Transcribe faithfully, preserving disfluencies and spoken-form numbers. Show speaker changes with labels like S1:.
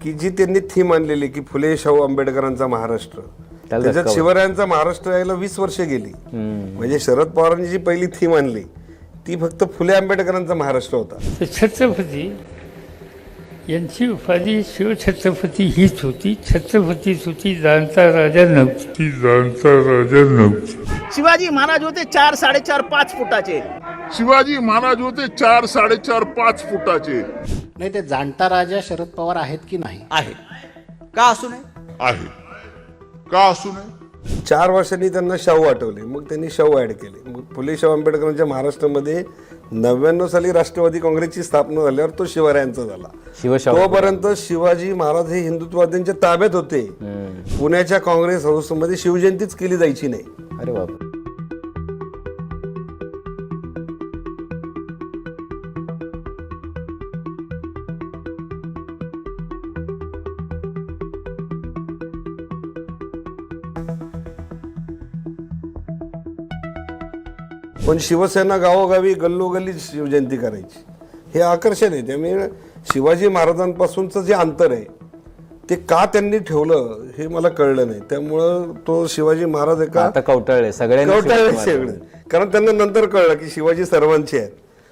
S1: की जी त्यांनी थीम आणलेली की फुले शाहू आंबेडकरांचा महाराष्ट्र, त्याच्यात शिवरायांचा महाराष्ट्र यायला वीस वर्षे गेली. म्हणजे शरद पवारांनी जी पहिली थीम आणली ती फक्त फुले आंबेडकरांचा महाराष्ट्र होता.
S2: छत्रपती यांची उपाधी शिवछत्रपती हीच होती. छत्रपतीच होती, जाणता राजा नव्हती. जाणता राजा नव्हती.
S3: शिवाजी महाराज होते चार साडेचार पाच फुटाचे.
S4: शिवाजी महाराज होते चार साडेचार पाच फुटाचे.
S5: नाही, ते जाणता राजा शरद पवार आहेत की नाही?
S3: आहे का असू नये?
S4: आहे का असू नये?
S1: चार वर्षांनी त्यांना शाहू आठवले, मग त्यांनी शाहू ऍड केले. मग फुले शाहू आंबेडकरांच्या महाराष्ट्रामध्ये नव्याण्णव साली राष्ट्रवादी काँग्रेसची स्थापना झाल्यावर तो शिवरायांचा झाला. तोपर्यंत शिवाजी महाराज हे हिंदुत्ववाद्यांच्या ताब्यात होते. पुण्याच्या काँग्रेस हाऊसमध्ये शिवजयंतीच केली जायची नाही.
S6: अरे बाप.
S1: पण शिवसेना गावोगावी गल्लोगल्ली शिवजयंती करायची, हे आकर्षण आहे. त्यामुळे शिवाजी महाराजांपासूनचं जे अंतर आहे ते का त्यांनी ठेवलं हे मला कळलं नाही. त्यामुळं तो शिवाजी महाराज एका
S6: आता कवटाळले सगळ्यांनी,
S1: कवटाळले सगळे, कारण त्यांना नंतर कळलं की शिवाजी सर्वांचे आहेत.